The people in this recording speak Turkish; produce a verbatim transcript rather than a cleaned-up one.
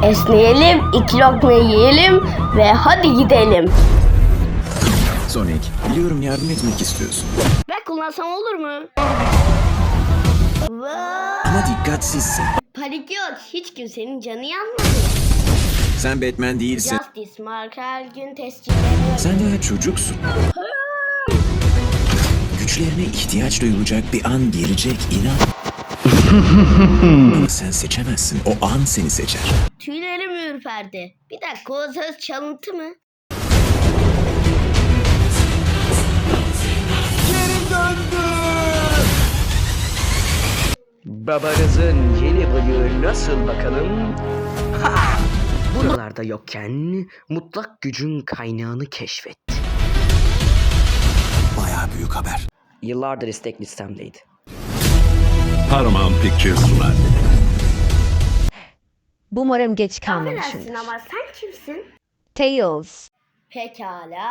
Esneyelim, iki lokma yiyelim ve hadi gidelim. Sonic, biliyorum yardım etmek istiyorsun. Ben kullansam olur mu? Ama dikkatsizsin. Panik yok, hiç kimsenin canı yanmadı. Sen Batman değilsin. Justice Mark her gün tescilleniyor. Sen daha çocuksun. Güçlerine ihtiyaç duyulacak bir an gelecek, inan. Ama sen seçemezsin. O an seni seçer. Tüylerim ürperdi. Bir dakika, o söz çalıntı mı? Babanızın yeni bıyığı nasıl bakalım? Ha! Buralarda yokken mutlak gücün kaynağını keşfet. Bayağı büyük haber. Yıllardır istek listemdeydi. Paramount Pictures sunar. Umarım geç Affedersin kalmamışımdır. ama sen kimsin? Tails. Pekala.